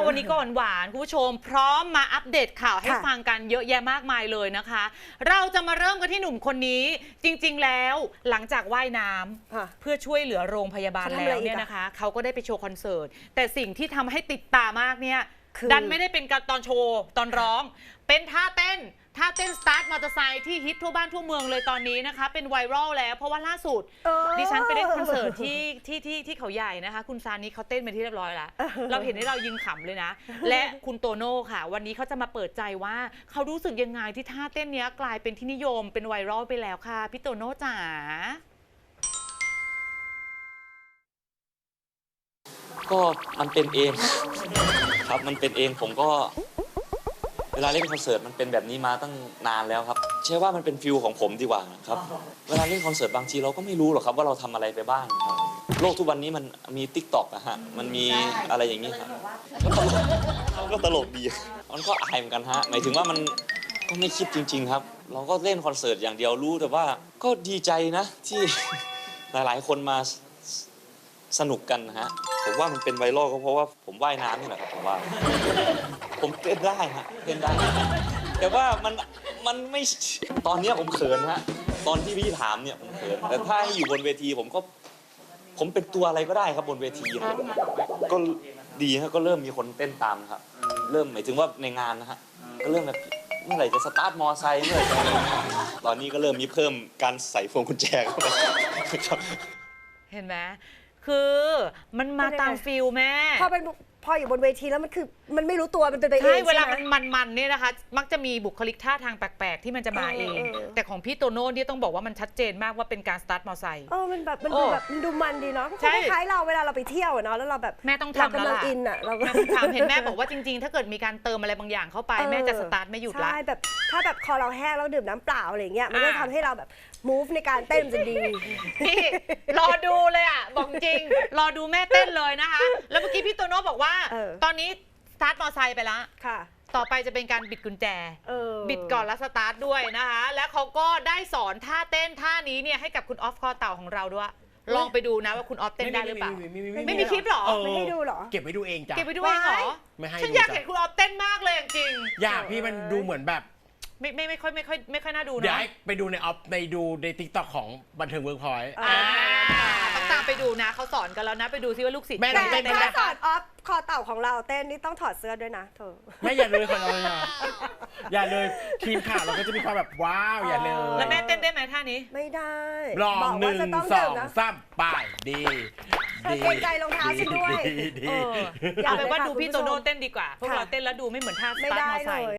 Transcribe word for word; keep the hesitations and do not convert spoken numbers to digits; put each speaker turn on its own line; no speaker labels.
วันนี้ก็หวานๆคุณผู้ชมพร้อมมาอัปเดตข่าวให้ฟังกันเยอะแยะมากมายเลยนะคะเราจะมาเริ่มกันที่หนุ่มคนนี้จริงๆแล้วหลังจากว่ายน้ำเพื่อช่วยเหลือโรงพยาบาลแล้วเนี่ยนะคะเขาก็ได้ไปโชว์คอนเสิร์ตแต่สิ่งที่ทำให้ติดตามากเนี่ยดันไม่ได้เป็นการตอนโชว์ตอนร้องเป็นท่าเต้นท่าเต้นสตาร์ทมอเตอร์ไซค์ที่ฮิตทั่วบ้านทั่วเมืองเลยตอนนี้นะคะเป็นไวรัลแล้วเพราะว่าล่าสุดดิฉันไปเล่นคอนเสิร์ตที่ที่ที่ที่เขาใหญ่นะคะคุณซานิเขาเต้นไปที่เรียบร้อยแล้วเราเห็นให้เรายืนขำเลยนะและคุณโตโน่ค่ะวันนี้เขาจะมาเปิดใจว่าเขารู้สึกยังไงที่ท่าเต้นนี้กลายเป็นที่นิยมเป็นไวรัลไปแล้วค่ะพี่โตโน่จ๋า
ก็มันเป็นเองครับมันเป็นเองผมก็เวลาเล่นคอนเสิร์ตมันเป็นแบบนี้มาตั้งนานแล้วครับเชื่อว่ามันเป็นฟิลของผมดีกว่าครับเวลาเล่นคอนเสิร์ตบางทีเราก็ไม่รู้หรอกครับว่าเราทำอะไรไปบ้างครับโลกทุกวันนี้มันมี ติ๊กต็อก นะฮะมันมีอะไรอย่างนี้ครับก็ตลกดีมันก็อายเหมือนกันฮะหมายถึงว่ามันก็ไม่คิดจริงๆครับเราก็เล่นคอนเสิร์ตอย่างเดียวรู้แต่ว่าก็ดีใจนะที่หลายๆคนมาสนุกกันนะฮะผมว่ามันเป็นไวรัลก็เพราะว่าผมว่ายน้ำนี่แหละครับผมว่าผมเต้นได้ฮะเต้นได้แต่ว่ามันมันไม่ตอนนี้ผมเขินฮะตอนที่พี่ถามเนี่ยผมเขินแต่ถ้าให้อยู่บนเวทีผมก็ผมเป็นตัวอะไรก็ได้ครับบนเวทีนะก็ดีฮะก็เริ่มมีคนเต้นตามนะครับเริ่มหมายถึงว่าในงานนะฮะก็เริ่มแบบเมื่อไหร่จะสตาร์ทมอไซค์เมื่อไหร่จะตอนนี้ก็เริ่มมีเพิ่มการใส่พวงกุญแจเข้าไป
เห็นไหมคือมันมาตามฟิลแม่
พอเป็นพออยู่บนเวทีแล้วมันคือมันไม่รู้ตัวมันเป็นไปเองใช่
เวลามันมันๆเนี่ยนะคะมักจะมีบุคลิกท่าทางแปลกๆที่มันจะมาเองแต่ของพี่โตโน่เนี่ยต้องบอกว่ามันชัดเจนมากว่าเป็นการสตาร์ทมอเตอร์ไซค์
เออมันแบบมันดูแบบมันดูมันดีเนาะคล้ายๆเราเวลาเราไปเที่ยวเนาะแล้วเราแบบ
แม่ต้องทำแล้วล่ะ
อินอ่ะเรา
แม่ต้องทำเห็นแม่บอกว่าจริงๆถ้าเกิดมีการเติมอะไรบางอย่างเข้าไปแม่จะสตาร์ทไม่หยุดละ
ใช่แบบถ้าแบบคอเราแห้งแล้วดื่มน้ำเปล่าอะไรเงี้ยมันก็ทำให้เราแบบ move ในการเต้นจะดี
นี่รอดูเลยอ่ะบอกจริงรอดูแม่เต้นเลยนะคะแล้วเมื่อกี้พี่โตโน่บอกว่าตอนนี้สตาร์ทมอเตอร์ไซค์ไปแล้วค่ะต่อไปจะเป็นการบิดกุญแจบิดก่อนแล้วสตาร์ทด้วยนะคะแล้วเขาก็ได้สอนท่าเต้นท่านี้เนี่ยให้กับคุณออฟคอเต่าของเราด้วยลองไปดูนะว่าคุณออฟเต้นได้หรือเปล่าไม่มีคลิปหรอ
ไม่ให้ดูหรอ
เก็บไว้ดูเองจ้ะ
เก็บไว้ดูเองเหรอฉันอยากเห็นคุณออฟเต้นมากเลยจริง
อยากพี่มันดูเหมือนแบบ
ไม่ไม่ไม่ค่อยไม่ค่อยไม่ค่อยน่าดูนะ
เดี๋ยวไปดูในออฟในดูในติ๊กต็อกของบันเทิงเวิร์กพอยต์
ต้องตามไปดูนะเขาสอนกันแล้วนะไปดูซิว่าลูกศิษย์
แม่
เต้น
ได้
ถ้าสอนออฟคอเต่าของเราเต้นนี่ต้องถอดเสื้อด้วยนะเธอ
ไม่อย่าเลยคนเราอย่าเลยทีมข่าวเราก็จะมีความแบบว้าวอย่าเลย
แล้วแม่เต้นได้ไหมท่านี้
ไม่ได้
ลองหนึ่งสองสามไปดี
ดีเกรงใจรองเท้าฉันด้วย
เอาไปว่าดูพี่โตโน่เต้นดีกว่าพวกเราเต้นแล้วดูไม่เหมือนท่าสตาร์ทมอเตอร์ไซค์